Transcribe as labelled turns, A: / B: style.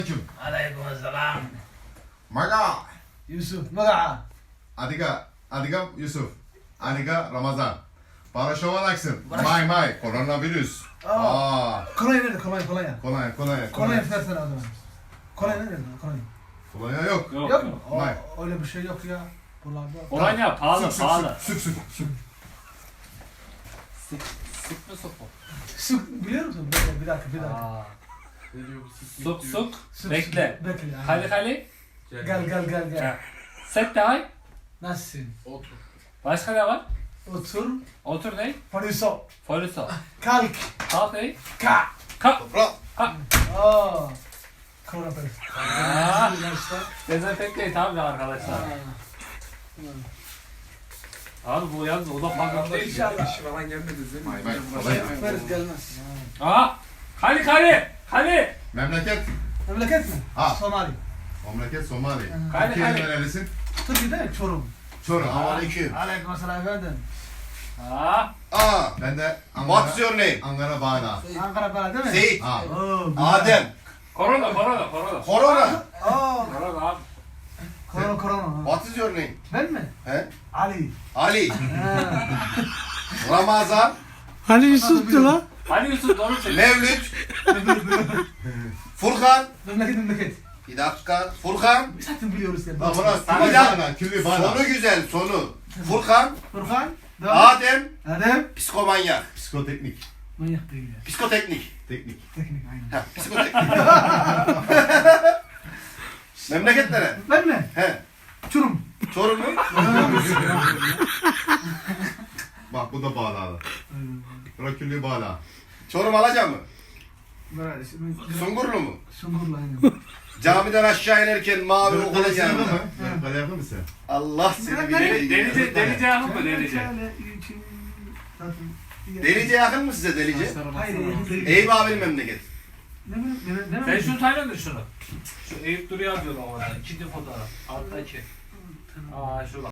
A: Aleykümselam.
B: Maga.
A: Yusuf, maga.
B: Adiga Yusuf. Adiga Ramazan. Paraşovanaksın. May. Koronavirüs.
A: Kolonya nerede? Kolonya. Kolonya versene o zaman. Kolonya nerede?
B: Kolonya yok.
A: Yok mu?
B: May.
A: Öyle bir şey yok ya. Buralarda.
C: Kolonya pahalı.
B: Süt.
C: Sık mı sopa?
A: Sık biliyor musun? Bir dakika.
C: Aa. Suk.
A: Sık,
C: Bekle.
A: Bekle. yani.
C: Hali.
A: Gel.
C: Set de hay.
A: Nasılsın?
C: Başka ne var?
A: Otur.
C: Otur ne?
A: Fariso.
C: Folüso.
A: Kalk.
C: Kalk ne?
A: Ka.
B: Toprak.
A: Koronavirüs.
C: Aa. Dezenfekte tabii arkadaşlar. Abi bu yalnız o da farklı değil.
A: İnşallah.
D: İşi falan gelmedi değil mi?
B: May. Kolonya.
A: Virüs gelmez.
C: Aa. Hali.
B: Memleket.
A: Memleket mi?
B: Ha.
A: Somali.
B: Memleket Somali.
C: Hadi.
B: Türkiye'nin nerelisin?
A: Türkiye değil mi? Çorum.
B: Çorum. Aleyküm.
A: Aleykümselam efendim.
B: Ben de
E: What's your name?
B: Ankara Bağla.
A: Ankara bana değil mi?
E: Seyit.
B: Adem.
C: Korona.
E: Corona.
C: Korona abi.
A: Korona.
E: What is your name?
A: Ben mi?
E: He?
A: Ali.
E: Ali. Ramazan.
A: Ali Yusuf'tu lan.
C: Hadi Yusuf doğru söyle.
E: Mevlüt. Furkan.
A: Memleket.
E: Bir dakika. Furkan.
A: Zaten biliyoruz ya.
B: Bak burası
E: Bir dakika.
B: Külli Bağla.
E: Sonu güzel sonu. Furkan.
A: Furkan. Devam.
E: Adem.
A: Adem.
E: Psikomanyak.
B: Psikoteknik.
A: Manyak değil ya.
E: Psikoteknik.
B: Teknik.
A: Teknik aynen.
E: Ha, psikoteknik. Memleket nere?
A: Ben mi?
E: He.
A: Çorum.
E: Çorum mu?
B: Bak bu da Bağla'da. Bura Külli Bağla.
E: Çorum Alaca mı?
A: Böyle
E: Sungurlu mu?
A: Sungurlu aynen.
E: Camiden aşağı inerken mavi okulun
B: Kale yakın
E: yanında.
B: mı? Kale yakın mısın?
E: Allah seni bilir.
C: Delice yakın mı Delice?
E: Delice yakın mı size Delice?
A: Hayır.
E: Eyüp abinin memleket.
C: Sen şunu tanıyor musun şunu? Şu Eyüp Duru yazıyor orada. İkinci fotoğraf. Alttaki. Aa şu bak.